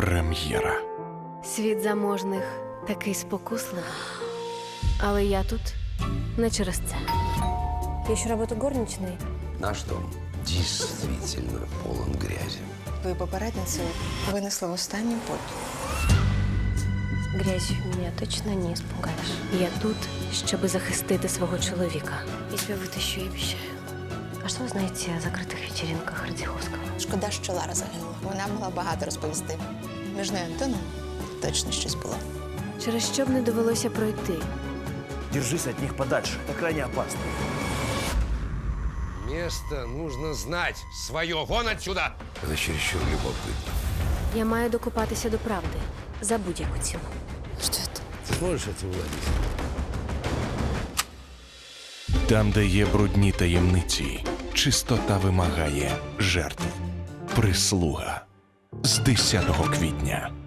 Прем'єра. Світ заможних такий спокусливий. Але я тут не через це. Я еще работаю горничной. Наш дом действительно полон грязи. Твою попередницю винесли в останню путь. Грязью меня точно не испугаешь. Я тут, щоб захистити свого чоловіка. Я тебя вытащу, я обещаю. А що ви знаєте о закритих вечеринках Радзіховського? Шкода, що Лара загинула. Вона могла багато розповісти. Між нею і Антоном точно щось було. Через що б не довелося пройти? Держись от них подальше. Это крайне опасно. Место нужно знать. Свое. Вон отсюда! Это чересчур любопытно. Я маю докопатися до правди. За будь-яку ціну. Що це? Ты сможешь этим владеть? Там, де є брудні таємниці, чистота вимагає жертв. Прислуга з 10 квітня.